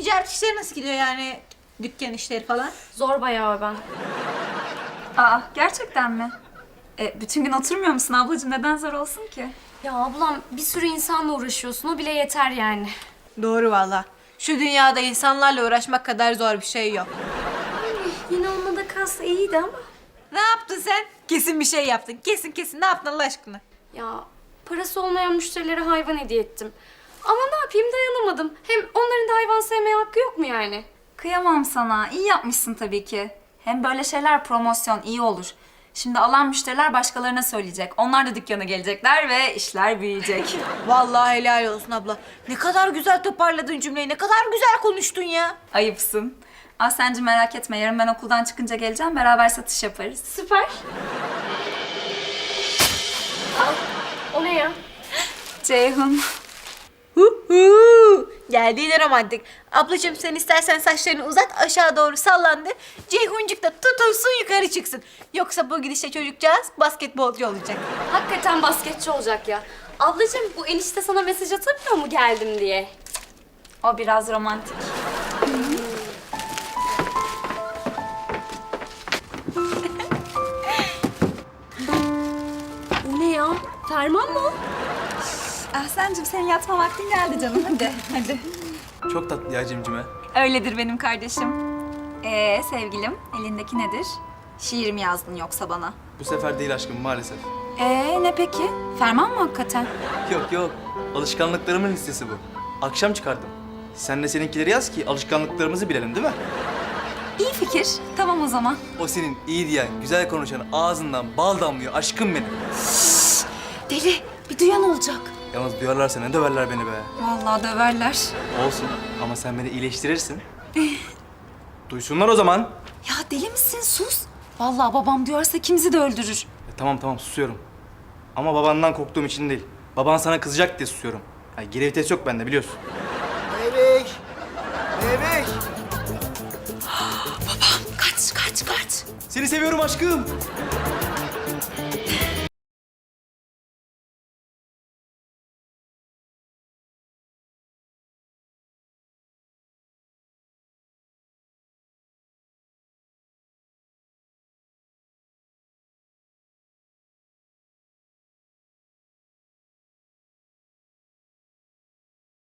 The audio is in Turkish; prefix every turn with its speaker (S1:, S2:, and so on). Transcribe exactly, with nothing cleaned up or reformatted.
S1: ticaret işleri nasıl gidiyor yani? Dükkan işleri falan.
S2: Zor bayağı ben.
S3: Aa, gerçekten mi? E, bütün gün oturmuyor musun ablacığım? Neden zor olsun ki?
S2: Ya ablam bir sürü insanla uğraşıyorsun. O bile yeter yani.
S1: Doğru valla. Şu dünyada insanlarla uğraşmak kadar zor bir şey yok.
S2: Yine onunla da kalsa iyiydi ama.
S1: Ne yaptın sen? Kesin bir şey yaptın. Kesin kesin. Ne yaptın Allah aşkına?
S2: Ya parası olmayan müşterilere hayvan hediye ettim. Ama ne yapayım dayanamadım. Hem onların da hayvan sevmeye hakkı yok mu yani?
S3: Kıyamam sana. İyi yapmışsın tabii ki. Hem böyle şeyler promosyon iyi olur. Şimdi alan müşteriler başkalarına söyleyecek. Onlar da dükkana gelecekler ve işler büyüyecek.
S1: Vallahi helal olsun abla. Ne kadar güzel toparladın cümleyi. Ne kadar güzel konuştun ya.
S3: Ayıpsın. Aslenci merak etme. Yarın ben okuldan çıkınca geleceğim. Beraber satış yaparız.
S2: Süper. Al. O ne ya?
S3: Ceyhun.
S1: Hu hu. Geldi yine romantik. Ablacığım sen istersen saçlarını uzat aşağı doğru sallandır. Ceyhuncuk da tutulsun yukarı çıksın. Yoksa bu gidişle çocukcağız basketbolcu olacak.
S2: Hakikaten basketçi olacak ya. Ablacığım bu enişte sana mesaj atamıyor mu geldim diye?
S3: O biraz romantik.
S2: O ne ya? Ferman mı o?
S3: Ahsen'cim senin yatma vaktin geldi canım. Hadi, hadi.
S4: Çok tatlı ya cimcime.
S3: Öyledir benim kardeşim. Ee sevgilim, elindeki nedir? Şiir mi yazdın yoksa bana?
S4: Bu sefer değil aşkım maalesef.
S3: Ee ne peki? Ferman mı hakikaten?
S4: Yok yok. Alışkanlıklarımın listesi bu. Akşam çıkardım. Sen de seninkileri yaz ki alışkanlıklarımızı bilelim değil mi?
S3: İyi fikir. Tamam o zaman.
S4: O senin iyi diyen, güzel konuşan ağzından bal damlıyor aşkım benim.
S3: Deli, bir duyan olacak.
S4: Yalnız duyarlarsa ne döverler beni be.
S3: Vallahi döverler.
S4: Olsun ama sen beni iyileştirirsin. Duysunlar o zaman.
S3: Ya deli misin? Sus. Vallahi babam duyarsa ikimizi de öldürür.
S4: E, tamam tamam susuyorum. Ama babandan korktuğum için değil. Baban sana kızacak diye susuyorum. Yani geri vites yok bende biliyorsun.
S5: Bebek! Bebek!
S3: Kaç, kaç, kaç.
S4: Seni seviyorum aşkım.